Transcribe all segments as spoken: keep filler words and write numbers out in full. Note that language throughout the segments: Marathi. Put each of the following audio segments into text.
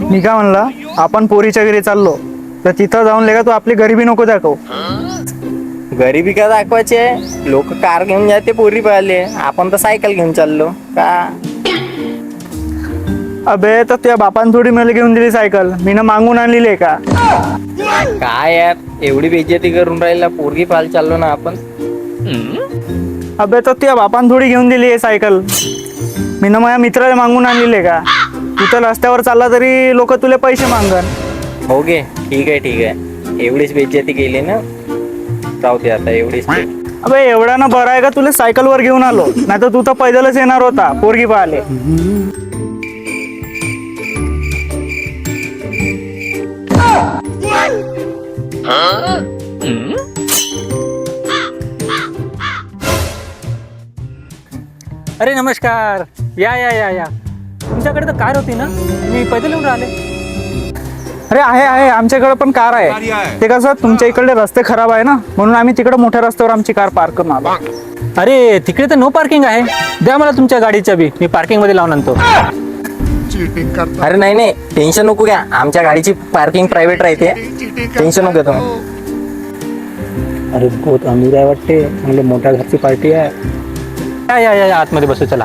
मी काय म्हणला, आपण पोरीच्या घरी चाललो तर तिथं जाऊन लेगा तू आपली गरिबी नको दाखव. गरिबी का दाखवायची आहे? लोक कार घेऊन जाते पोरी पाहिले, आपण तर सायकल घेऊन चाललो का? अबे तर त्या बापान थोडी मला घेऊन दिली सायकल, मी ना मागून आणलेली आहे का? काय यार एवढी बेइज्जती करून राहिला, पोरगी पाहायला चाललो ना आपण. अबे तर त्या बापान थोडी घेऊन दिली आहे सायकल, मी ना माझ्या मित्राला मागून आणलेली आहे का? तू तर रस्त्यावर चालला तरी लोक तुला पैसे मागन. हो गे, ठीक आहे ठीक आहे, एवढीच बेइज्जती केली ना, जाऊ दे आता एवढीच. अबे एवढा ना बरं आहे का तुला सायकल वर घेऊन आलो, नाही तर तू तर पैदलच येणार होता पोरगी पाहाले. अरे नमस्कार, या या या या तुमच्याकडे तर कार होती ना, मी पैदल येऊन राहिले. अरे आहे आहे आमच्याकडे पण कार आहे. ते कसं तुमच्या इकडे रस्ते खराब आहे ना, म्हणून आम्ही तिकडे मोठ्या रस्त्यावर आमची कार पार्क करून आलो. अरे तिकडे तर नो पार्किंग आहे, द्या मला तुमच्या गाडीच्या बी, मी पार्किंग मध्ये लावून आणतो. अरे नाही नाही, टेन्शन नको घ्या, आमच्या गाडीची पार्किंग प्रायव्हेट राहते, टेन्शन नको तुम्ही. अरे बहुत अमीर आहे वाटते, चांगले मोठ्या घरची पार्टी आहे. या या या या, आतमध्ये बसू, चला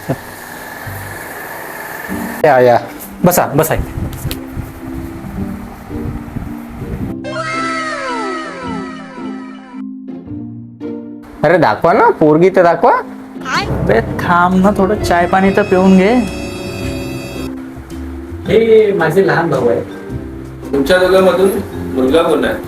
या या, बसा बसा. अरे दाखवा ना पोरगी तर दाखवा. अबे थांब ना, थोडं चाय पाणी तर पिऊन घे. हे माझे लहान भाऊ आहे. तुमच्या दोघांमधून मुलगा कोण आहे?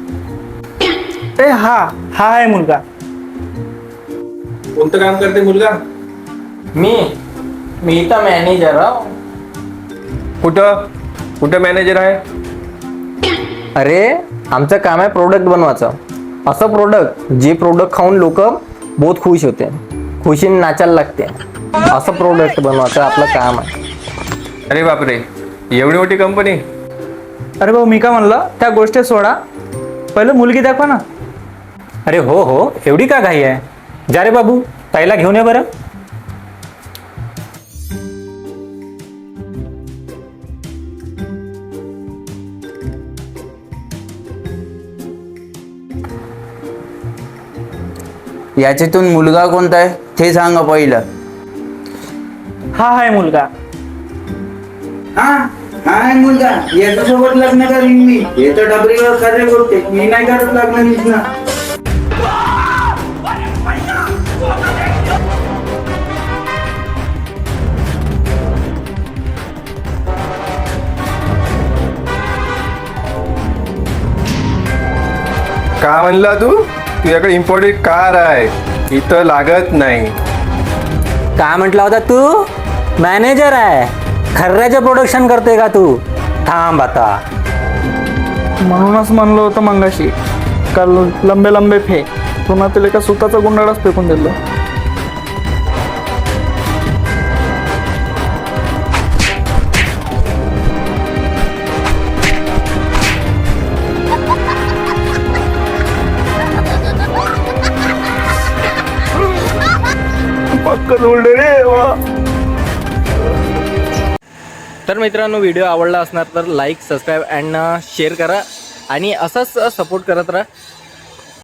ए हा हा आहे मुलगा. कोणतं काम करते मुलगा? मी मी तर मॅनेजर आहो. कुठं कुठं मॅनेजर आहे? अरे आमचं काम आहे प्रोडक्ट बनवायचं, असं प्रोडक्ट जे प्रोडक्ट खाऊन लोक बहुत खुश होते, खुशीने नाचायला लागते, असं प्रोडक्ट बनवायचं आपलं काम आहे. अरे बापरे, एवढी मोठी कंपनी? अरे भाऊ मी काय म्हणलं, त्या गोष्टी सोडा, पहिलं मुलगी दाखवा ना. अरे हो हो, एवढी का घाई आहे? जा रे बाबू, ताईला घेऊन ये बरं. याच्यातून मुलगा कोणता आहे ते सांगा पहिलं. हा आहे मुलगा. हा हा मुलगा, याच्यासोबत लग्न करीन मी. याचं डबरीवर खरे बोलते, मी नाही करत लग्न दिसना. का म्हणला तू? तुझ्याकडे इम्पोर्टेड कार आहे, इथं लागत नाही. काय म्हटला होता तू? मॅनेजर आहे, खर्राचे प्रोडक्शन करते का तू? थांब आता. म्हणूनच म्हणलं होतं मंगाशी, काल लंबे लंबे फे पुन्हा तिला एका सुताचा गुंडाळाच फेकून दिलं. पक्क उलटे रे वा. तर मित्रांनो, व्हिडिओ आवडला असणार तर लाईक, सबस्क्राईब अँड शेअर करा आणि असंच सपोर्ट करत राहा.